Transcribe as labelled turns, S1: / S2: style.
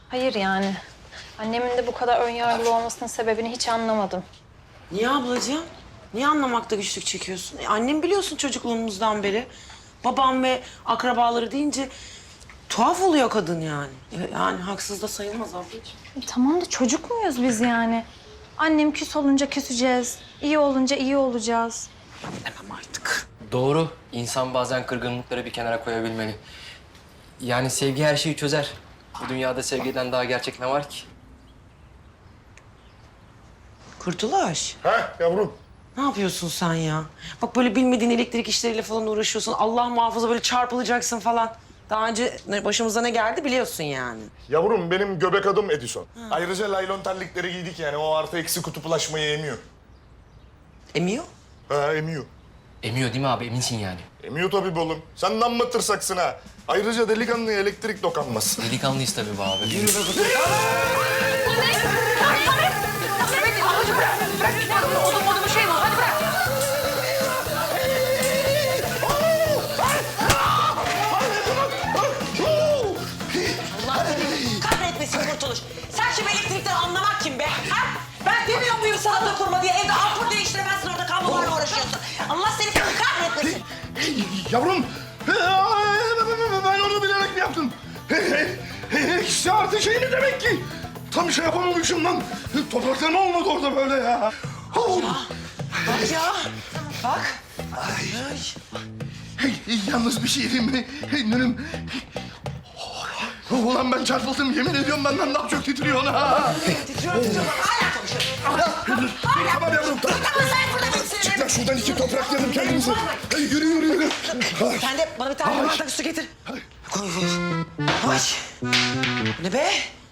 S1: Hayır yani. Annemin de bu kadar önyargılı olmasının sebebini hiç anlamadım.
S2: Niye ablacığım? Niye anlamakta güçlük çekiyorsun? Annem biliyorsun çocukluğumuzdan beri. Babam ve akrabaları deyince tuhaf oluyor kadın yani. Yani haksız da sayılmaz ablacığım.
S1: Tamam da çocuk muyuz biz yani? Annem küs olunca küseceğiz. İyi olunca iyi olacağız.
S2: Demem artık.
S3: Doğru. İnsan bazen kırgınlıkları bir kenara koyabilmeli. Yani sevgi her şeyi çözer. Bu dünyada sevgiden daha gerçek ne var ki?
S2: Kurtuluş,
S4: Ha yavrum.
S2: ne yapıyorsun sen ya? Bak böyle bilmediğin elektrik işleriyle falan uğraşıyorsun. Allah muhafaza böyle çarpılacaksın falan. Daha önce başımıza ne geldi biliyorsun yani.
S4: Yavrum benim göbek adım Edison. Ayrıca laylon terlikleri giydik yani o artı eksi kutuplaşmayı emiyor.
S2: Emiyor.
S4: Ha emiyor.
S3: Emiyor değil mi abi? Eminsin yani.
S4: Emiyor tabii be oğlum. Sen de amma tırsaksın ha. Ayrıca delikanlıya elektrik dokanmaz.
S3: Delikanlıyız tabii be abi.
S2: Kahretmesin Kurtuluş. Sen şimdi elektrikten anlamak kim be? Ha? Ben demiyor muyum sana dokunma diye? Evde ampul değiştiremezsin, orada kablolarla uğraşıyorsun. Allah seni kahretmesin.
S4: Yavrum. Ben onu bilerek mi yaptım? İkisi artı şey mi demek ki? Tam şey yapamamışım lan. Toprakta ne olmadı orada böyle ya?
S2: Bak ya. Bak.
S4: Yalnız bir şey diyeyim mi? Nünüm. Ulan ben çarpıldım. Yemin ediyorum benden daha çok titriyor ha.
S2: Titriyorum. Hala konuşuyorum.
S4: Tamam yavrum. Tamam. Çık lan şuradan iki topraklayalım kendimizi. Yürü yürü yürü.
S2: Sen de bana bir tane bardak su getir. Koy. Yavaş. Bu ne be?